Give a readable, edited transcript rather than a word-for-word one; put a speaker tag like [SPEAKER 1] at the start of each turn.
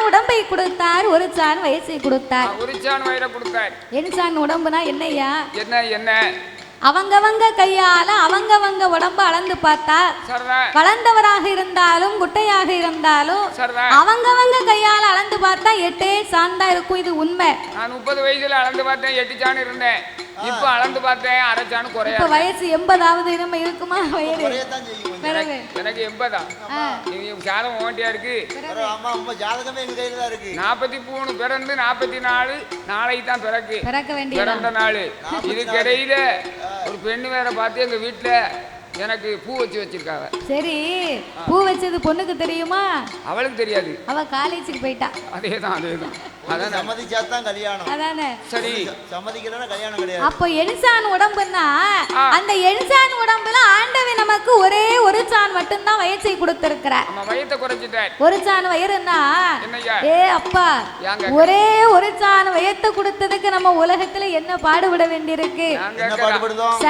[SPEAKER 1] உடம்பை கொடுத்தார், ஒரு சான் வயசை கொடுத்தார்.
[SPEAKER 2] ஒரு சான் வயிறை கொடுத்தார்.
[SPEAKER 1] என்சான் உடம்புனா என்னையா?
[SPEAKER 2] என்ன
[SPEAKER 1] அவங்கவங்க கையால அவங்கவங்க உடம்பு அளந்து பார்த்தா, வளர்ந்தவராக இருந்தாலும் குட்டையாக இருந்தாலும் அவங்கவங்க கையால அளந்து பார்த்தா 8 சான் தான் இருக்கும். இது உண்மை.
[SPEAKER 2] நான் 30 வயசுல அளந்து பார்த்தேன் 8 சான் இருந்தேன். இப்ப அளந்து பார்த்தேன் அரை சான் குறையா.
[SPEAKER 1] இப்ப வயசு 80 நம்ம இருக்குமா? வயிறு
[SPEAKER 2] எனக்கு 80. நீங்க ஜாதகம் ஓட்டியா இருக்கு. 43 பிறந்து 44 நாளைக்கு தான் பிறக்க வேண்டிய பிறந்த நாள். இதுக்கு இடையில ஒரு பெண்ணு வேற பார்த்து எங்க வீட்டுல எனக்கு பூ வச்சிருக்காங்க.
[SPEAKER 1] சரி, பூ வச்சது பொண்ணுக்கு தெரியுமா?
[SPEAKER 2] அவளுக்கு தெரியாது.
[SPEAKER 1] அவ காலேஜுக்கு போயிட்டா.
[SPEAKER 2] அதேதான் அதான்
[SPEAKER 3] சம்மதிச்சாதான் கல்யாணம்.
[SPEAKER 1] அதானே.
[SPEAKER 2] சரி,
[SPEAKER 3] சம்மதிக்கலன்னா கல்யாணம் கிடையாது.
[SPEAKER 1] அப்போ எண்சான் உடம்புன்னா அந்த எண்சான் உடம்புல ஆண்டவன் நமக்கு ஒரே ஒரு சான் மட்டும் தான் வயசை கொடுத்திருக்கிறார்.
[SPEAKER 2] நம்ம வயத்தை குறைச்சிட்டார்.
[SPEAKER 1] ஒரு சான் வயிறுன்னா
[SPEAKER 2] என்னய்யா?
[SPEAKER 1] அப்பா, ஒரே ஒரு சான் வயத்தை கொடுத்ததுக்கு நம்ம உலகத்துல என்ன பாடுபட வேண்டியிருக்கு?
[SPEAKER 3] என்ன பாடுபடுதோம்?